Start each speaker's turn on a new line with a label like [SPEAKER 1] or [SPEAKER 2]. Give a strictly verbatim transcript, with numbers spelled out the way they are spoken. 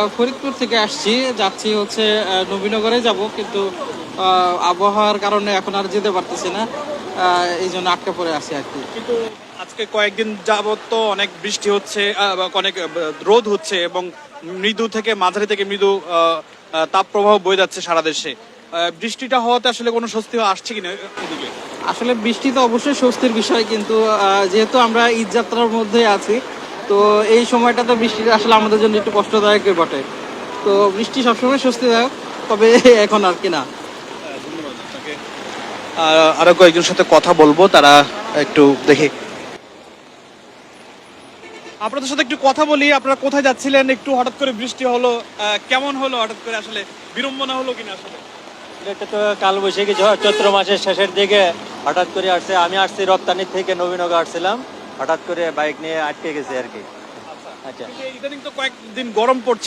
[SPEAKER 1] ফরিদপুর থেকে আসছি, যাচ্ছি হচ্ছে আহ, নবীনগরে যাব, কিন্তু আহ, আবহাওয়ার কারণে এখন আর যেতে পারতেছি না, আহ, এই জন্য আটকে পড়ে আছি আর কি।
[SPEAKER 2] কিন্তু আজকে কয়েকদিন যাবত তো অনেক বৃষ্টি হচ্ছে, আহ, বা অনেক আহ, রোদ হচ্ছে এবং মৃদু থেকে মাঝারি থেকে মৃদু আহ, আহ, তাপপ্রবাহ বয়ে যাচ্ছে সারা দেশে। আহ, বৃষ্টিটা হওয়াতে আসলে কোনো স্বস্তি আসছে কিনা এদিকে?
[SPEAKER 1] আসলে বৃষ্টি তো অবশ্যই স্বস্তির বিষয়, কিন্তু আহ, যেহেতু আমরা ঈদ যাত্রার মধ্যে আছি, তো এই সময়টাতে বৃষ্টিটা আসলে আমাদের জন্য একটু কষ্টদায়কই বটে। তো বৃষ্টি সবসময় স্বস্তিদায়ক, তবে এখন আর কি না।
[SPEAKER 2] ধন্যবাদ আপনাকে। আহ, আরো কয়েকজনের সাথে কথা বলবো, তারা একটু দেখি। আপনাদের সাথে একটু কথা বলি। আপনারা কোথায় যাচ্ছিলেন? একটু হঠাৎ করে বৃষ্টি হলো, আহ, কেমন হলো হঠাৎ করে? আসলে বিড়ম্বনা হলো কিনা আসলে?
[SPEAKER 3] এটা তো কালবৈশাখী ঝড় চৈত্র মাসের শেষের দিকে হঠাৎ করে আসছে। আমি আসছি রপ্তানি থেকে নবীনগর আসছিলাম, হঠাৎ করে বাইক নিয়ে আটকে গেছে আর কি। আচ্ছা।
[SPEAKER 2] ইদানিং তো কয়েকদিন গরম পড়ছে।